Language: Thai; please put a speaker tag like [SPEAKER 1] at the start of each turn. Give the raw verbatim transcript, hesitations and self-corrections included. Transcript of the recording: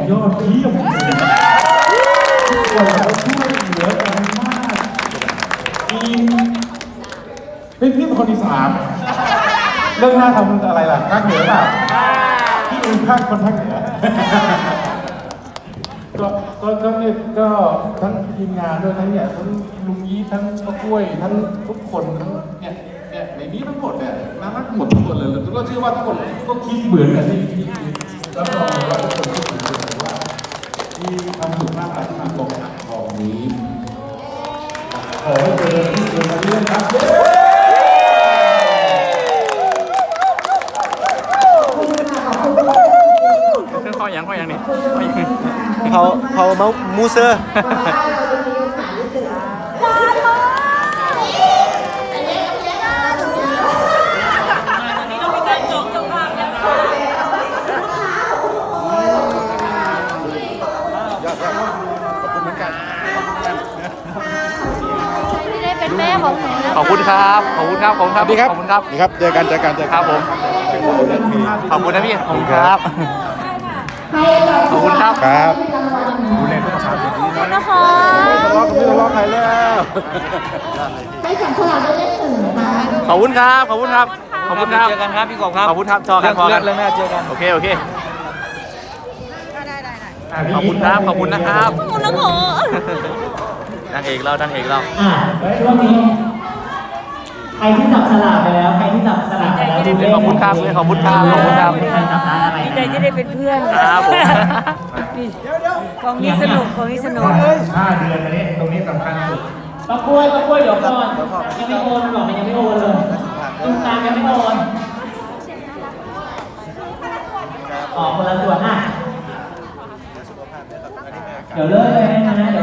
[SPEAKER 1] ยอดเยี่ยมทุกคนเราช่วยเหลือกันมากมีเป็นพี่คนที่สามเรื่องหน้าทำอะไรล่ะภาคเหนือเปล่าที่อื่นภาคคนภาคเหนือก็ก็ก็เนี่ยก็ทั้งทีมงานด้วยทั้งเนี่ยทั้งลุงยี่ทั้งป้ากล้วยทั้งทุกคนทั้งเนี่ยเนี่ยในนี้ทั้งหมดเนี่ยน่ารักหมดทุกคนเลยแล้วก็เชื่อว่าทุกคนก็คิดเหมือนกันที่ที่แล้วก็ว่าทุกคนคิดเหมือนกันว่ามีความสุขมากที่มาตรงอ่างทองนี้ขอให้เจอที่เจอมาเรื่อยครับ
[SPEAKER 2] เขาอย่างเขาอย่างนี้
[SPEAKER 3] เขาเขาเมามูเซอร์
[SPEAKER 4] ที่ได้เป็นแม่ของหนูนะ
[SPEAKER 2] ขอบคุณครับขอบคุณครับขอบคุณครับ
[SPEAKER 3] ดีครับ
[SPEAKER 2] ขอบคุณครับ
[SPEAKER 3] ดีครับเจอกันเจอกันเจอ
[SPEAKER 2] ค
[SPEAKER 3] กั
[SPEAKER 2] รั
[SPEAKER 3] น
[SPEAKER 2] บผมขอบคุณนะพี่ขอบคุณครับขอบคุณครับ
[SPEAKER 3] ครับ
[SPEAKER 1] ดูแลสุขภาพดีๆนะ
[SPEAKER 4] นะคะ
[SPEAKER 3] ทะเลาะกับพี่ทะเลาะใครแล้ว
[SPEAKER 4] ให้สัมภาระได้เล่นหนึ่งนะคะ
[SPEAKER 2] ขอบคุณครับขอบคุณครับขอบคุณครับ
[SPEAKER 5] เจอกันครับพี่กบครับ
[SPEAKER 2] ขอบคุณครับจอกันพอกัน
[SPEAKER 5] เรื่องหน้าเจอกัน
[SPEAKER 2] โอเคโอเคขอบคุณครับขอบคุณนะครับ
[SPEAKER 4] ขอบคุณนะคะ
[SPEAKER 2] นางเอกเรานางเอกเรา
[SPEAKER 6] อ่าช่วงนี้ใครที่จับสลากไปแล้ว ใครที่จับสลากไปแล้วดูเลข
[SPEAKER 2] ขอบคุณครับขอบคุณครับขอบคุณครับ
[SPEAKER 6] ใครจับร้านอะไร
[SPEAKER 7] ดีใจที่ได้เป็นเพื่อน
[SPEAKER 2] ครับผม
[SPEAKER 7] ของนี้สนุกของนี้สนุก
[SPEAKER 1] ห้าเดือนอันนี้ตรงนี้สำคัญสุด
[SPEAKER 6] ป้ากล้วยป้ากล้วยเดี๋ยวก่อนยังไม่โอนหรอกมันยังไม่โอนเลยตรงกลางยังไม่โอนอ๋อคนละส่วนอ่ะเดี๋ยวเลิกเลยนะเดี๋ยว